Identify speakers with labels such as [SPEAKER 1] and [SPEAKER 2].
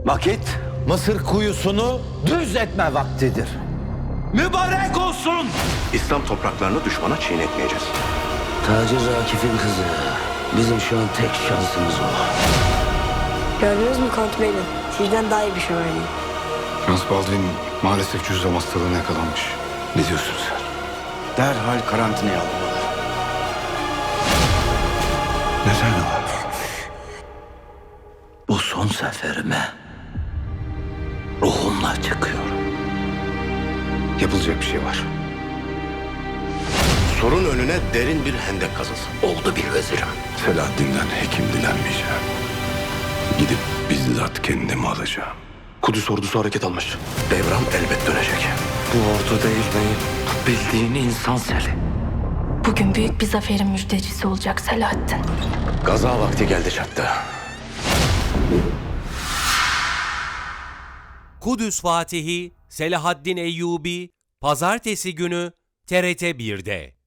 [SPEAKER 1] Vakit Mısır kuyusunu düz etme vaktidir. Mübarek olsun!
[SPEAKER 2] İslam topraklarını düşmana çiğnetmeyeceğiz.
[SPEAKER 3] Tacir Akif'in kızı. Bizim şu an tek şansımız o.
[SPEAKER 4] Gördünüz mü Kont Bey'le? Sizden daha iyi bir şövalye.
[SPEAKER 5] Prens Baldwin maalesef cüzzam hastalığına yakalanmış. Ne diyorsun sen?
[SPEAKER 6] Derhal karantinaya alınmalı.
[SPEAKER 5] Neden o?
[SPEAKER 3] Bu son seferime ruhumla çıkıyorum.
[SPEAKER 5] Yapılacak bir şey var.
[SPEAKER 2] Sorun önüne derin bir hendek kazılsın.
[SPEAKER 3] Oldu bir vezirim.
[SPEAKER 5] Selahaddin'den hekim dilenmeyeceğim. Gidip bizzat kendimi alacağım.
[SPEAKER 2] Kudüs ordusu hareket almış. Devran elbet dönecek.
[SPEAKER 3] Bu ordu değil beyim. Bildiğin insan seli.
[SPEAKER 7] Bugün büyük bir zaferin müjdecisi olacak Selahaddin.
[SPEAKER 2] Gaza vakti geldi çattı.
[SPEAKER 8] Kudüs Fatihi Selahaddin Eyyubi Pazartesi günü TRT 1'de.